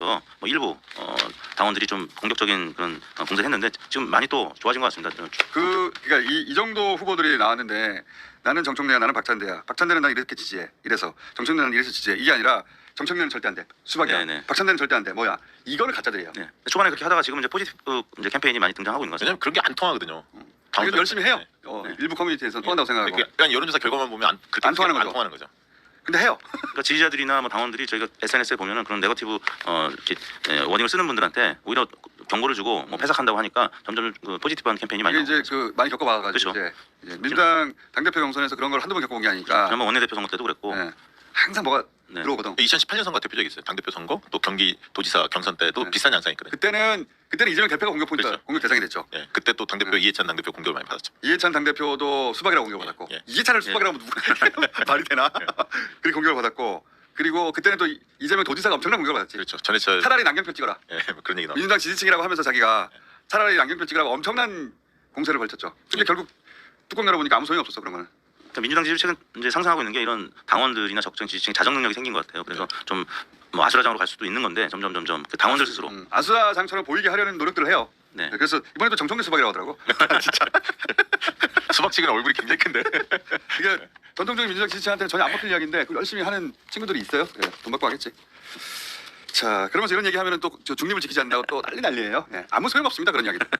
뭐 일부 당원들이 좀 공격적인 그런 공세를 했는데 지금 많이 또 좋아진 것 같습니다. 그러니까 이 정도 후보들이 나왔는데 나는 정청래야 나는 박찬대야. 박찬대는 난 이렇게 지지해. 이래서 정청래는 이래서 지지해. 이게 아니라 정청래는 절대 안 돼. 수박이야. 네네. 박찬대는 절대 안 돼. 뭐야? 이거는 가짜들이에요. 네. 초반에 그렇게 하다가 지금 이제 포지티브 이제 캠페인이 많이 등장하고 있는 것 같습니다. 왜냐면 그런 게 안 통하거든요. 그래도 열심히 해요. 네. 일부 커뮤니티에서는 통한다고 생각하고. 그러니까 여론조사 결과만 보면 그렇게 안 통하는 거죠. 근데 해요. 그러니까 지지자들이나 뭐 당원들이 저희가 SNS에 보면은 그런 네거티브 이렇게 워딩을 쓰는 분들한테 오히려 경고를 주고 뭐 패삭한다고 하니까 점점 그 포지티브한 캠페인이 많이 이게 이제 나오고 그 많이 겪어봐가지고 그렇죠. 이제 민주당 당대표 경선에서 그런 걸 한두 번 겪어본 게 아니니까 지난번 원내대표 선거 때도 그랬고 네. 항상 뭐가 네. 들어오거든. 2018년 선거 대표적이 있어요. 당대표 선거 또 경기도지사 경선 때도 네. 비슷한 현상이 있거든요. 그때는 이재명 대표가 공격 포인트, 그렇죠. 공격 대상이 됐죠. 예, 그때 또 당대표 이해찬 당대표 공격을 많이 받았죠. 이해찬 당대표도 수박이라고 공격받았고 예. 이해찬을 수박이라고 하면 누가 말이 되나? 그렇게 공격을 받았고 그리고 그때는 또 이재명 도지사가 엄청난 공격을 받았지. 그렇죠. 전해철 차라리 남경표 찍어라. 예, 뭐 그런 얘기 나오죠. 민주당 지지층이라고 하면서 자기가 차라리 남경표 찍으라고 엄청난 공세를 벌쳤죠. 근데 결국 뚜껑 열어보니까 아무 소용이 없었어 그런 거는. 그러니까 민주당 지지층은 이제 상승하고 있는 게 이런 당원들이나 적정 지지층 자정 능력이 생긴 것 같아요. 그래서 좀 뭐 아수라장으로 갈 수도 있는 건데 점점 그 당원들 스스로 아수라장처럼 보이게 하려는 노력들을 해요. 네. 그래서 이번에도 정청래 수박이라고 하더라고. 진짜. 수박치기는 얼굴이 굉장히 큰데. 이게 전통적인 민주당 지지층한테는 전혀 안 먹힐 이야기인데 그걸 열심히 하는 친구들이 있어요. 예, 돈 받고 하겠지. 자, 그러면서 이런 얘기하면은 또 저 중립을 지키지 않는다고 또 난리예요. 예, 아무 소용 없습니다 그런 이야기들.